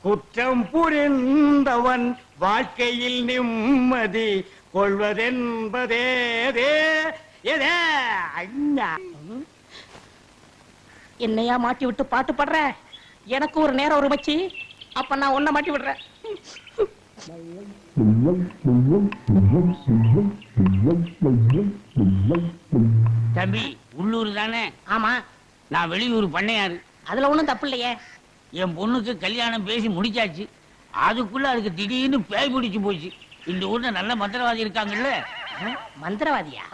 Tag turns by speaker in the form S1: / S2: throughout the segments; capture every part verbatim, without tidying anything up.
S1: குற்றம் புரிந்தவன் வாழ்க்கையில் நிம்மதி கொள்வதென்பதே
S2: என்னையா மாட்டி விட்டு பாட்டு பாடுற? எனக்கு ஒரு நேரம் ஒரு மச்சி, அப்ப நான் உன்னை மாட்டி விடுறேன்.
S3: தம்பி உள்ளூர் தானே?
S2: ஆமா.
S3: நான் வெளியூர் பண்ணையாரு.
S2: அதுல ஒண்ணும் தப்பு இல்லையே.
S3: என் பொண்ணுக்கு கல்யாணம் பேசி முடிச்சாச்சு. அதுக்குள்ள அதுக்கு திடீர்னு பேய் பிடிச்சு போச்சு. இந்த ஊர்ல நல்ல மந்திரவாதி இருக்காங்கல்ல.
S2: மந்திரவாதியா?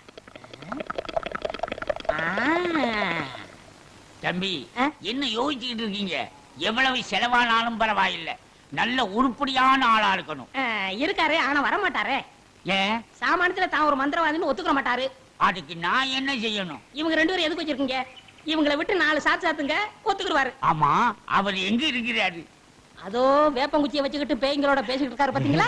S3: தம்பி என்ன யோசிச்சுக்கிட்டு இருக்கீங்க? எவ்வளவு செலவானாலும் பரவாயில்லை, நல்ல உருப்படியான ஆளா இருக்கணும்.
S2: இருக்காரு, ஆனா வர மாட்டாரே.
S3: ஏன்?
S2: சாமானியத்துல தான் ஒரு மந்திரவாதின்னு ஒத்துக்க மாட்டாரு.
S3: அதுக்கு நான் என்ன செய்யணும்?
S2: இவங்க ரெண்டு பேரும் எதுக்கு வச்சிருக்கீங்க? இவங்களை விட்டு நாலு சாத்து சாத்துங்க, ஒத்துக்குருவாரு.
S3: ஆமா, அவர் எங்க இருக்கிறாரு?
S2: அதோ வேப்பங்குச்சியை வச்சுக்கிட்டு பேய்களோட பேசிக்கிட்டு இருக்காரு, பாத்தீங்களா?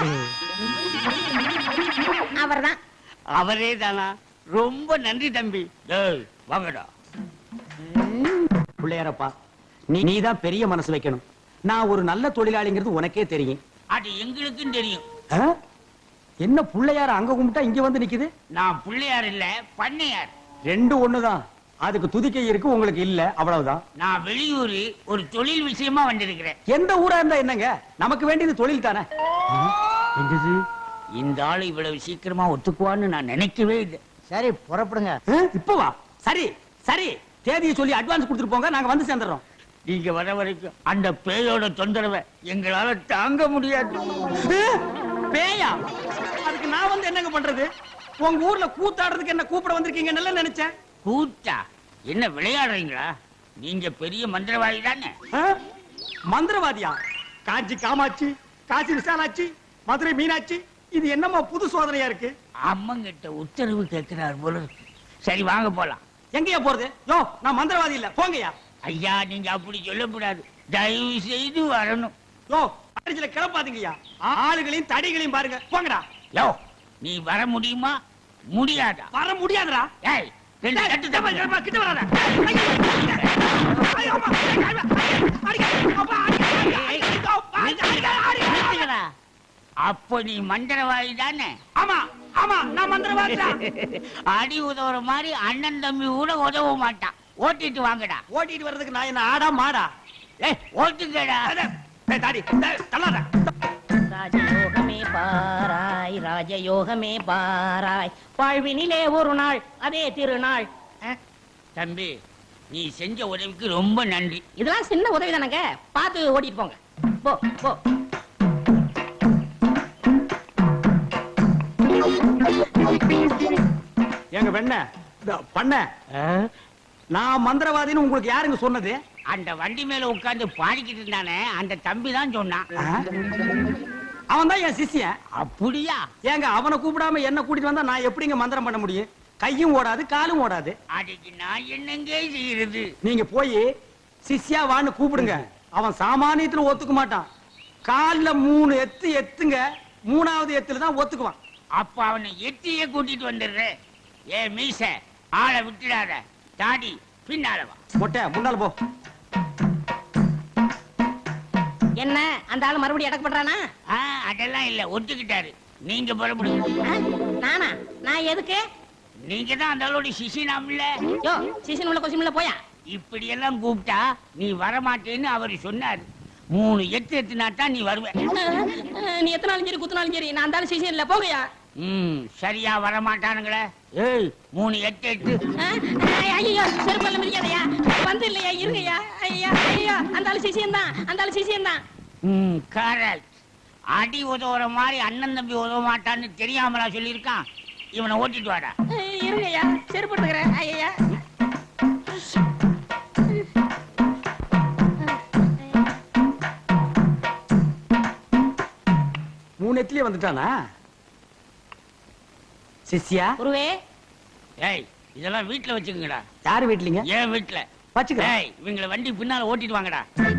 S2: அவர்தான்.
S3: அவரே தானா? ரொம்ப நன்றி தம்பி. வாங்கடா.
S1: பிள்ளையாரப்பா, நீ நீதான் பெரிய மனசு வைக்கணும். நான் ஒரு நல்ல தொழிலாளிங்கிறது உனக்கே தெரியும்.
S3: அது எங்களுக்கும் தெரியும்.
S1: என்ன பிள்ளையார அங்க கும்பிட்டா இங்க வந்து நிக்குது?
S3: நான் பிள்ளையார் இல்ல, பண்ணையார்.
S1: ரெண்டு ஒண்ணுதான். அதுக்கு துதிக்கை இருக்கு, உங்களுக்கு இல்ல, அவ்வளவுதான்.
S3: நான் வெளியூர் ஒரு தொழில் விஷயமா வந்திருக்கிறேன்.
S1: எந்த ஊரா இருந்தா என்னங்க, நமக்கு வேண்டியது தொழில் தானே.
S3: இந்த ஆளு இவ்வளவு சீக்கிரமா ஒத்துக்குவான்னு நான் நினைக்கவே இல்லை.
S4: சரி, புறப்படுங்க.
S1: இப்ப வா. சரி சரி, தேதியை சொல்லி அட்வான்ஸ் கொடுத்துட்டு போங்க, நாங்க வந்து சேர்ந்துறோம்.
S3: நீங்க வர வரைக்கும் அந்த பேயோட தொந்தரவை எங்களால தாங்க முடியாது.
S1: பேயா? அதுக்கு நான் வந்து என்னங்க பண்றது? உங்க ஊர்ல கூத்தாடுறதுக்கு என்ன கூப்பிட வந்திருக்கீங்க நல்லா நினைச்சேன்.
S3: கூத்தா? என்ன விளையாடுறீங்களா? நீங்க பெரிய மந்திரவாதி தானே?
S1: மந்திரவாதியா? காஞ்சி காமாட்சி, காசி விசாலாட்சி, மதுரை மீனாட்சி, இது என்னமா புது சோதனையா இருக்கு?
S3: அம்மங்கிட்ட உத்தரவு கேட்கிறார் போல இருக்கு. சரி வாங்க போலாம்.
S1: எங்கயா போறது? யோ, நான் மந்திரவாதி இல்ல, போங்கயா.
S3: ஐயா, நீங்க அப்படி சொல்லக்கூடாது, தயவு செய்து வரணும்.
S1: யோ, அடிச்சல கிளப்பாதீங்கய்யா. ஆளுகளையும் தடிகளையும் பாருங்க, போங்கடா.
S3: யோ, நீ வர முடியுமா முடியாதா?
S1: வர முடியாதுடா.
S3: ஏய், ரெண்டு கட்டு தப்பா
S1: கிட்ட வராத.
S3: அப்ப நீ மந்திரவாதி தானே?
S1: ஆமா ஆமா, நான் மந்திரவாதி தான்.
S3: அடி உதவுற மாதிரி அண்ணன் தம்பி கூட உதவ மாட்டான். ஓட்டிட்டு வாங்கடா.
S1: ஓட்டிட்டு வர்றதுக்கு நான் என்ன ஆடா மாடா?
S3: ஏய், ஓட்டுங்கடா.
S1: தாடி தள்ளாத.
S2: ராஜயோகமே பாராய், ராஜயோகமே பாராய், வாழ்வினிலே ஒரு நாள் அதே திருநாள்.
S3: தம்பி, நீ செஞ்ச உதவிக்கு ரொம்ப நன்றி.
S2: இதெல்லாம் சின்ன உதவி தானங்க, பார்த்து ஓட்டிட்டு போங்க. போ போ.
S1: எங்க வெண்ண பண்ண, நான் மந்திரவாதின்னு உங்களுக்கு யாருங்க சொன்னது?
S3: அந்த வண்டி மேல உட்கார்ந்து பாடிக்கிட்டு இருந்தானே, அந்த தம்பி தான் சொன்னான்.
S1: அவன் தான் என் சிஷ்யன்.
S3: அப்படியா?
S1: ஏங்க, அவனை கூப்பிடாம என்ன கூட்டிட்டு வந்தா நான் எப்படிங்க மந்திரம் பண்ண முடியும்? கையும் ஓடாது, காலும் ஓடாது.
S3: அதுக்கு நான் என்னங்க செய்யறது?
S1: நீங்க போய் சிஷ்யா வான்னு கூப்பிடுங்க. அவன் சாமானியத்துல ஒத்துக்க மாட்டான். கால்ல மூணு எத்து எத்துங்க, மூணாவது எத்துல தான் ஒத்துக்குவான்.
S3: அப்ப அவனை எத்தியே கூட்டிட்டு வந்துடுறேன். ஏ மீச, ஆளை விட்டுடாத. தாடி பின்னால வா.
S1: மொட்டை முன்னால போ.
S2: என்ன அந்த ஆளு மறுபடியும் அடக்க பண்றானா?
S3: அதெல்லாம் இல்ல, ஒத்துக்கிட்டாரு. நீங்க புறப்படுங்க.
S2: நானா? நான் எதுக்கு?
S3: நீங்க தான் அந்த ஆளோட சிசினாம்ல.
S2: யோ, சிசின் உள்ள கொசிமில்ல போயா.
S3: இப்படி எல்லாம் கூப்பிட்டா நீ வரமாட்டேன்னு அவரு சொன்னாரு. மூணு எட்டு எத்துனா தான் நீ வருவ.
S2: நீ எத்தனாலும் சரி குத்துனாலும் சரி, நான் அந்த சிசின் இல்ல, போகையா.
S3: ம், சரியா வரமாட்டானுங்களே. ஏய், மூணு எட்டு எட்டு.
S2: ஐயோ, செருப்பல்ல மிதிக்காதயா. வந்து இல்லையா, இருங்கய்யா. ஐயா ஐயோ, அந்த ஆளு சிசியன் தான், அந்த ஆளு சிசியன் தான்.
S3: ம், கரெக்ட். அடி உதவுற மாதிரி அண்ணன் தம்பி உதவ மாட்டான்னு தெரியாமலா சொல்லியிருக்கான். இவனை ஓட்டிட்டு வாடா.
S2: இருங்கய்யா, செருப்பு எடுத்துக்கிறேன். ஐயா,
S1: மூணு எத்துலயே வந்துட்டானா சிஷ்யா?
S2: குருவே.
S3: ஏய், இதெல்லாம் வீட்டுல வச்சுக்கங்கடா.
S1: யாரு வீட்லீங்க?
S3: ஏன் வீட்டுல
S1: வச்சுக்கிறேன்.
S3: ஏய், இவங்களை வண்டி பின்னால ஓட்டிட்டு வாங்கடா.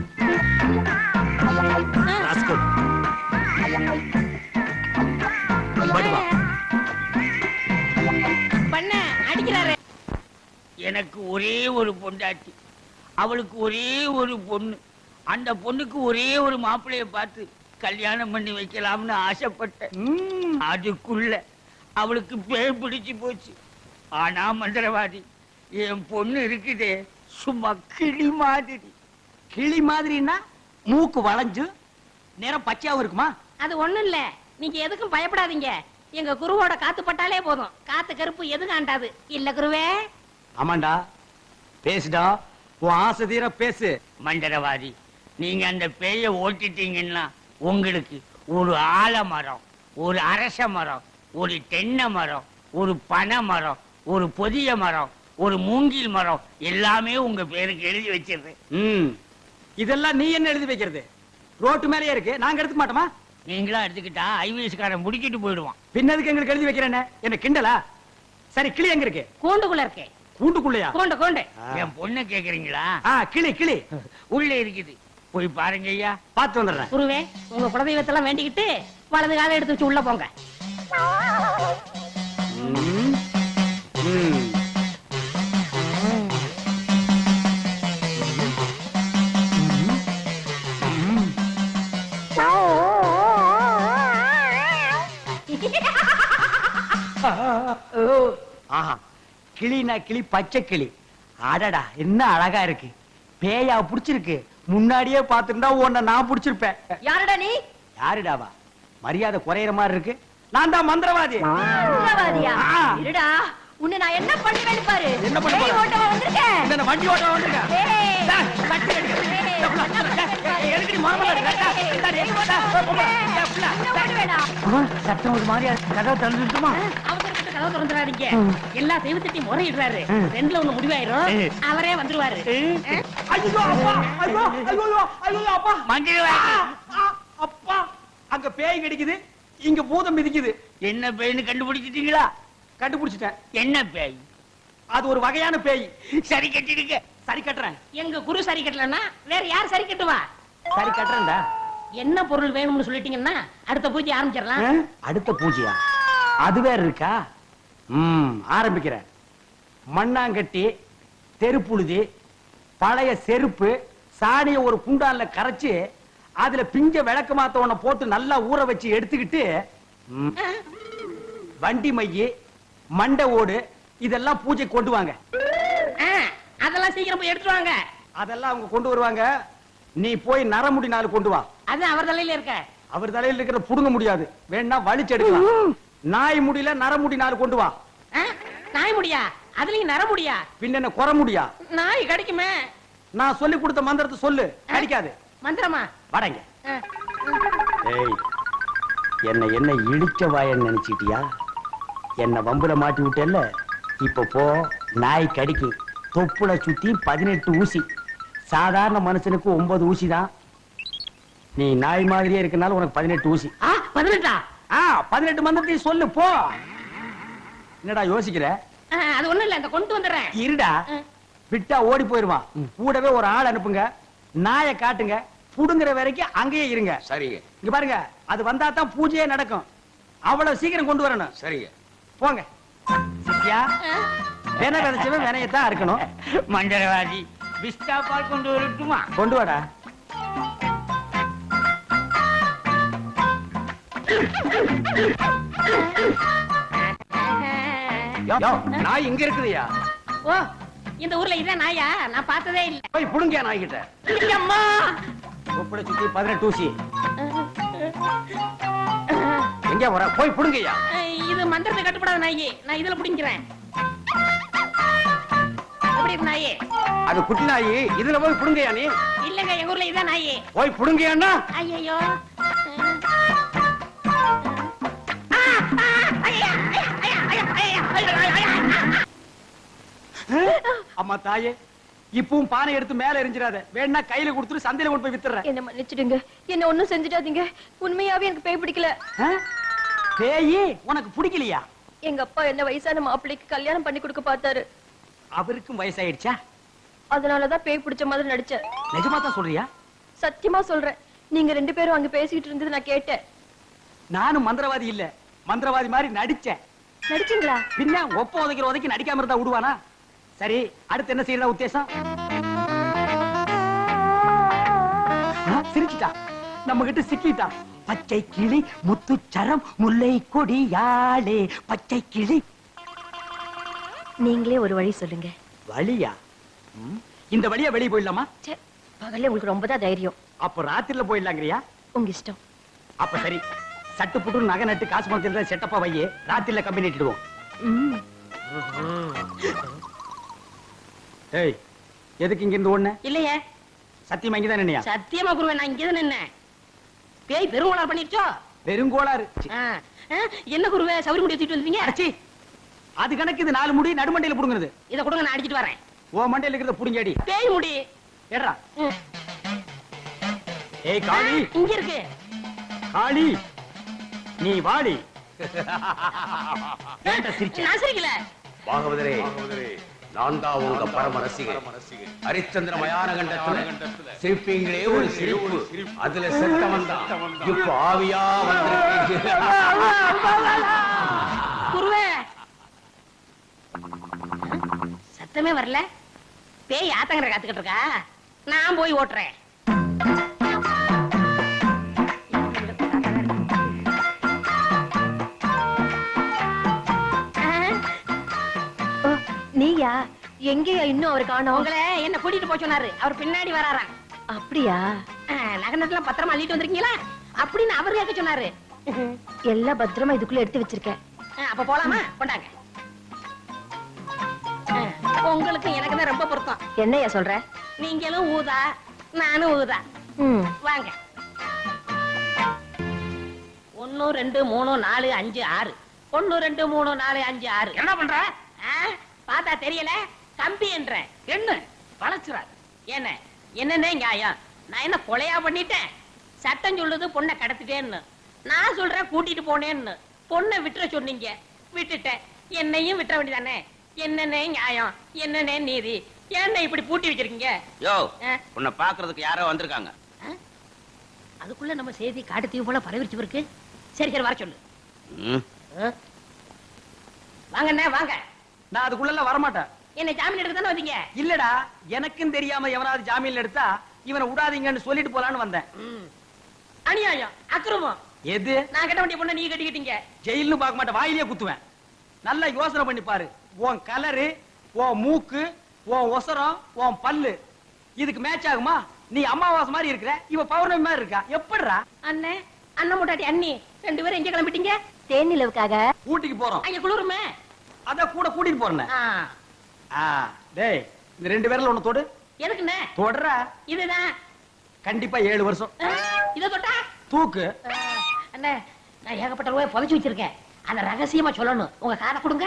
S2: பண்ண அடிக்கிறாரு.
S3: எனக்கு ஒரே ஒரு பொண்டாட்டி, அவளுக்கு ஒரே ஒரு பொண்ணு. அந்த பொண்ணுக்கு ஒரே ஒரு மாப்பிள்ளைய பார்த்து கல்யாணம் பண்ணி வைக்கலாம்னு ஆசைப்பட்டேன்.
S1: ம்.
S3: அதுக்குள்ள அவளுக்கு பேய் பிடிச்சு போச்சு. ஆனா மந்திரவாதி, என் பொண்ணு இருக்குதே சும்மா கிளி மாதிரி.
S1: கிளி மாதிரின்னா மூக்கு வளைஞ்சு நேரம் பச்சையாவும் இருக்குமா?
S2: அது ஒண்ணும் இல்ல, நீங்க எதுக்கும் பயப்படாதீங்க. எங்க குருவோட காத்து பட்டாலே போதும், காத்து கருப்பு எது காண்டாது இல்ல குருவே.
S1: ஆமாண்டா, பேசுடா, உன் ஆசை தீர பேசு.
S3: மந்திரவாதி, நீங்க அந்த பேய ஓட்டிட்டீங்கன்னா உங்களுக்கு ஒரு ஆலமரம், ஒரு அரச மரம், ஒரு தென்னை மரம், ஒரு பனை மரம், ஒரு பொதிய மரம், ஒரு மூங்கில் மரம் எல்லாமே உங்க பேருக்கு எழுதி வச்சிருது.
S1: ம். இதெல்லாம் நீ என்ன எழுதி வைக்கிறது? ரோட்டு மேலேயே இருக்கு, நாங்க எடுத்துக்க மாட்டோமா?
S3: நீங்களா எடுத்துக்கிட்டா ஐவிஎஸ்காரன் முடிக்கிட்டு போயிடுவான்.
S1: பின்னதுக்கு எங்களுக்கு எழுதி வைக்கிறேன்னு என்ன கிண்டலா? சரி, கிளி எங்க இருக்கு?
S2: கூண்டுக்குள்ள இருக்கே.
S1: கூண்டுக்குள்ளையா?
S2: கூண்டு கூண்டு.
S3: என் பொண்ணை கேக்குறீங்களா?
S1: ஆ, கிளி கிளி
S3: உள்ள இருக்குது, போய் பாருங்க ஐயா.
S1: பார்த்து வந்துடுறேன்.
S2: குருவே, உங்க குலதெய்வத்தெல்லாம் வேண்டிக்கிட்டு வலது காலை எடுத்து வச்சு உள்ள போங்க.
S1: ம். ம். ஆஹா, கிளினா கிளி, பச்சை கிளி. அடடா, என்ன அழகா இருக்கு. பேயா புடிச்சிருக்கு. முன்னாடியே பாத்துருந்தா உன்னை நான் புடிச்சிருப்பேன்.
S4: யாருடா நீ?
S1: யாருடாவா? மரியாதை குறையிற மாதிரி இருக்கு. நான் தான் மந்திரவாதி.
S4: மந்திரவாதியா?
S1: ஆ.
S4: இருடா, உன்னை நான் என்ன பண்ணுவேன்னு பாரு.
S1: என்ன பண்ண
S4: பேய்
S1: போற?
S4: ஓட்டவா வந்திருக்கேன்?
S1: இந்த வண்டி ஓட்ட வந்திருக்கேன்.
S4: ஏய்.
S1: டேய், தட்டி அடிக்க.
S4: ஏய்,
S1: டேய், புள்ள, டேய், டேய், எதுக்குடி முகமது அடிக்கிற? டேய், டேய், டேய், டேய், புள்ள, டேய், புள்ள,
S4: என்ன பண்ணுவேடா?
S1: சத்தம் ஒரு மாதிரியா இருக்கு. கதவை திறந்துட்டுமா?
S2: அவசரப்பட்டு கதவை திறந்துடாதீங்க. எல்லா தெய்வத்திட்டையும் முறையிடுறாரு. ரெண்டுல ஒண்ணு முடிவாயிரும், அவரே வந்துருவாரு.
S1: ஐயோ, அப்பா, ஐயோ, ஐயோ, ஐயோ, அப்பா.
S3: மந்திரவாதி,
S1: ஆ, அப்பா, அங்க பேய் கிடைக்குது, இங்க பூதம் மிதிக்குது.
S3: என்ன பேய்னு கண்டுபிடிச்சிட்டீங்களா?
S1: கண்டுபிடிச்சிட்டேன்.
S3: என்ன பேய்?
S1: அது ஒரு வகையான பேய்.
S3: சரி கட்டிடுங்க.
S1: சரி கட்டுறேன்.
S2: எங்க குரு சரி கட்டலன்னா வேற யார் சரி கட்டுவா?
S1: சரி கட்டுறேன்டா.
S2: என்ன பொருள் வேணும்னு சொல்லிட்டீங்கன்னா அடுத்த பூஜை ஆரம்பிச்சிடலாம்.
S1: ஆ? அடுத்த பூஜையா? அது வேற இருக்கா? ம், ஆரம்பிக்கிறேன். மண்ணாங்கட்டி, தெருப்புழுதி, பழைய செருப்பு, சாணிய ஒரு குண்டான்ல கரைச்சு அதுல பிஞ்ச விளக்கு மாத்த ஒண்ண போட்டு நல்லா ஊற வச்சு எடுத்துக்கிட்டு, ம், வண்டி மைய, மண்டை ஓடு இதெல்லாம் பூஜை கொண்டு வாங்க.
S2: ஆ, அதெல்லாம் சீக்கிரம் போய் எடுத்துட்டு வாங்க.
S1: அதெல்லாம் அவங்க கொண்டு வருவாங்க. நீ போய் நரமுடி நாலு கொண்டு வா.
S2: அது அவர் தலையில இருக்க.
S1: அவர் தலையில இருக்கிற புடுங்க முடியாது, வேணா வலிச்சு எடுக்கலாம். நாய் முடியல, நரமுடி நாலு கொண்டு வா.
S2: ஆ, நாய் முடியா? அதுலயும் நர முடியா?
S1: பின்ன என்ன குறை முடியா?
S2: நாய் கிடைக்குமே.
S1: நான் சொல்லி கொடுத்த மந்திரத்தை சொல்லு, கிடைக்காது.
S2: மந்திரமா?
S1: வடங்க.
S2: ஆ,
S1: ஏய், என்ன என்ன இடிச்ச வாயன்னு நினைச்சிட்டியா? என்ன வம்புல மாட்டி விட்டேல்ல, இப்ப போ. நாய் கடிக்கு தொப்புல சுத்தி பதினெட்டு ஊசி. சாதாரண மனுஷனுக்கு ஒன்பது ஊசி தான். நீ நாய் மாதிரியே இருக்கனால உனக்கு பதினெட்டு ஊசி.
S2: ஆ, பதினெட்டா?
S1: ஆ, பதினெட்டு மந்திரத்தையும் சொல்லு, போ. என்னடா யோசிக்கிற?
S2: ஆ, அது ஒண்ணும் இல்ல, இந்த கொண்டு வந்துடுறேன்.
S1: இருடா,
S2: ஆ.
S1: விட்டா ஓடி போயிருவான். கூடவே ஒரு ஆள் அனுப்புங்க, நாயை காட்டுங்க, புடுங்குற வரைக்கும் அங்கேயே இருங்க.
S5: சரிங்க
S1: இங்க பாருங்க, அது வந்தா தான் பூஜையே நடக்கும். அவ்வளவு சீக்கிரம் கொண்டு வரணும்.
S5: சரிங்க.
S1: போங்க. சித்தியா, வென விதைச்சவன் வினையத்தான் இருக்கணும்.
S3: மந்திரவாதி, பிஸ்தா பால் கொண்டு வரட்டுமா?
S1: கொண்டு வாடா. யோ, யோ, நாய் இங்க இருக்குதுயா.
S2: ஓ, இந்த ஊர்ல இதான் நாயா? நான் பார்த்ததே இல்ல.
S1: போய் புடுங்க நாய் கிட்ட.
S2: அம்மா.
S1: தொப்புளை சுத்தி பதினெட்டு ஊசி. எங்க வர? போய் புடுங்கய்யா.
S2: இது மந்திரத்தை கட்டுப்படாத நாயி, நான் இதுல புடிங்கிறேன். எப்படி இருக்கு நாயி?
S1: அது குட்டி நாய், இதுல போய் புடுங்கய்யா நீ.
S2: இல்லங்க, எங்க ஊர்ல இதான் நாயி.
S1: போய் புடுங்கய்யான்னா.
S2: ஐயோ.
S1: அம்மா தாயே, இப்பவும் பானை எடுத்து மேல எரிஞ்சிடாத. வேணா கையில கொடுத்துட்டு சந்தையில கொண்டு போய் வித்துறேன்.
S4: என்ன மன்னிச்சிடுங்க, என்ன ஒண்ணும் செஞ்சிடாதீங்க. உண்மையாவே எனக்கு பேய் பிடிக்கல.
S1: ஆ? பேயி உனக்கு பிடிக்கலையா?
S4: எங்க அப்பா என்ன வயசான மாப்பிள்ளைக்கு கல்யாணம் பண்ணி கொடுக்க பார்த்தாரு.
S1: அவருக்கும் வயசாயிடுச்சா?
S4: அதனாலதான் பேய் பிடிச்ச மாதிரி நடிச்சேன்.
S1: நிஜமா தான் சொல்றியா?
S4: சத்தியமா சொல்றேன். நீங்க ரெண்டு பேரும் அங்க பேசிக்கிட்டு இருந்தது நான் கேட்டேன்.
S1: நானும் மந்திரவாதி இல்ல, மந்திரவாதி மாதிரி நடிச்சேன்.
S4: நடிச்சீங்களா?
S1: பின்ன ஒப்ப உதைக்கிற உதைக்கு நடிக்காம இருந்தா விடுவானா? சரி, அடுத்து என்ன செய்யறதா உத்தேசம்? சிரிச்சிட்டான், நம்ம கிட்ட சிக்கிட்டான். பச்சை கிளி முத்துச்சரம் முல்லை கொடியாளே பச்சை கிளி.
S4: நீங்களே ஒரு வழி சொல்லுங்க.
S1: வழியா? ம், இந்த வழியா வெளியே போயிடலாமா?
S4: ச்சே, பகல்ல உங்களுக்கு ரொம்ப தான் தைரியம்.
S1: அப்ப ராத்திரில போயிடலாங்கிறியா?
S4: உங்க இஷ்டம்.
S1: அப்ப சரி, சட்டு புட்டு நகை நட்டு காசு பணத்தில் செட்டப்பா வையே, ராத்திரில கம்பெனி இட்டுடுவோம்.
S4: ம்.
S1: ஏய், எதுக்கு இங்க இருந்து ஓடுன?
S2: இல்லையே,
S1: சத்தியமா இங்கதான் நின்னையா?
S2: சத்தியமா குருவே, நான் இங்கதான் நின்னேன். பேய் பெருங்கோளார் பண்ணிருச்சோ?
S1: வெறுங்கோளாறு.
S2: ஆ, ஆ, என்ன குருவே சவுரி முடி தூக்கிட்டு வந்தீங்க?
S1: அடச்சி, அது கணக்கு இது நாலு முடி நடுமண்டையில புடுங்குறது.
S2: இத கொடுங்க, நான் அடிச்சிட்டு வரேன்.
S1: ஓ மண்டையில இருக்கிறத புடுங்கடி.
S2: பேய் முடி
S1: ஏடா.
S2: ம்,
S1: ஏய் காளி,
S2: இங்க இருக்கு.
S1: காளி நீ வாடி. ஏன்டா சிரிச்ச?
S2: நான் சிரிக்கல.
S5: பாகவதரே, நான் தான் உங்க பரம ரசிகர். ஹரிச்சந்திர மயான கண்டத்துல சிரிப்பீங்களே ஒரு சிரிப்பு, அதுல செத்தவன் தான் இப்ப ஆவியா வந்திருக்கீங்க.
S2: குருவே, சத்தமே வரல. பேய் ஆத்தங்கரை காத்துக்கிட்டு இருக்கா, நான் போய் ஓட்டுறேன்.
S4: ஓ, நீயா? எங்கேயா இன்னும் அவர் காணோம்?
S2: உங்களை என்ன கூட்டிட்டு போய் சொன்னாரு, அவர் பின்னாடி வராராம்.
S4: அப்படியா?
S2: நகனத்தெல்லாம் பத்திரமா அள்ளிட்டு வந்திருக்கீங்களா அப்படின்னு அவர் கேட்க சொன்னாரு.
S4: எல்லாம் பத்திரமா இதுக்குள்ள எடுத்து வச்சிருக்கேன்.
S2: ஆ, அப்ப போலாமா? கொண்டாங்க. ஆ, உங்களுக்கு எனக்கு தான் ரொம்ப பொருத்தம்.
S4: என்னையா சொல்ற?
S2: நீங்களும் ஊதா, நானும் ஊதா.
S4: ம்.
S2: வாங்க. ஒன்னு ரெண்டு மூணு நாலு அஞ்சு ஆறு. ஒன்னு ரெண்டு மூணு நாலு அஞ்சு ஆறு.
S3: என்ன பண்ற?
S2: ஆ, பார்த்தா தெரியல, கம்பி என்ற
S3: என்ன வளச்சுறாரு?
S2: என்ன என்னன்னே நியாயம்? நான் என்ன கொலையா பண்ணிட்டேன்? சட்டம் சொல்லுது பொண்ணை கடத்திட்டேன்னு, நான் சொல்றேன் கூட்டிட்டு போனேன்னு. பொண்ணை விட்டுற சொன்னீங்க, விட்டுட்டேன். என்னையும் விட்டுற வேண்டியதானே? என்னன்னே நியாயம், என்னன்னே நீதி? என்ன இப்படி பூட்டி வச்சிருக்கீங்க?
S5: யோ,
S2: ஆ?
S5: உன்னை பாக்குறதுக்கு யாரோ வந்திருக்காங்க.
S2: ஆ? அதுக்குள்ள நம்ம செய்தி காட்டு தீவு போல பரவிச்சு இருக்கு. சரி சரி, வர சொல்லு.
S5: ம்.
S2: ஆ? வாங்கண்ணே வாங்க.
S1: நான் அதுக்குள்ள வரமாட்டேன்.
S2: என்ன ஜாமீன் எடுக்க தானே வந்தீங்க?
S1: இல்லடா, எனக்கும் தெரியாம எவனாவது ஜாமீன்ல எடுத்தா இவனை விடாதீங்கன்னு சொல்லிட்டு போலான்னு வந்தேன்.
S2: ம். அநியாயம், அக்கிரமம்.
S1: எது?
S2: நான் கட்ட வேண்டிய பொண்ணை நீங்க கட்டிக்கிட்டீங்க.
S1: ஜெயில்னு பார்க்க மாட்டேன், வாயிலேயே குத்துவேன். நல்லா யோசனை பண்ணி பாரு. உன் கலரு, உன் மூக்கு, உன் ஒசரம், உன் பல்லு இதுக்கு மேட்ச் ஆகுமா? நீ அமாவாசை மாதிரி இருக்கிற, இவ பௌர்ணமி மாதிரி இருக்கா. எப்படிடா?
S2: அண்ணே, அண்ணன் முட்டாட்டி அண்ணி ரெண்டு பேரும் எங்க கிளம்பிட்டீங்க?
S4: தேன் நிலவுக்காக.
S1: ஊட்டிக்கு போறோம்.
S2: அங்க குளிருமே.
S1: அத கூட கூட்டிட்டு போறேன்.
S2: ஆ.
S1: ஆ, டேய், இந்த ரெண்டு பேர்ல ஒண்ணு தொடு.
S2: எதுக்குண்ணே?
S1: தொடற.
S2: இதுதான்.
S1: கண்டிப்பா ஏழு வருஷம்.
S2: ஆ, இத தொட்டா?
S1: தூக்கு.
S2: ஆ, அண்ணே, நான் ஏகப்பட்ட ரூபாய் புதைச்சு வச்சிருக்கேன். அத ரகசியமா சொல்லணும். உங்க காதை கொடுங்க.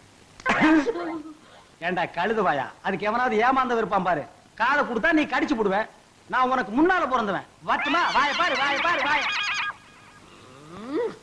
S1: ஏண்டா கழுதுவாயா, அதுக்கு எவனாவது ஏமாந்த இருப்பான் பாரு. காதை கொடுத்தா நீ கடிச்சு போடுவ. நான் உனக்கு முன்னால பிறந்தவன். வட்டுமா? வாய பாரு, வாய பாரு, வாய.
S2: ம்.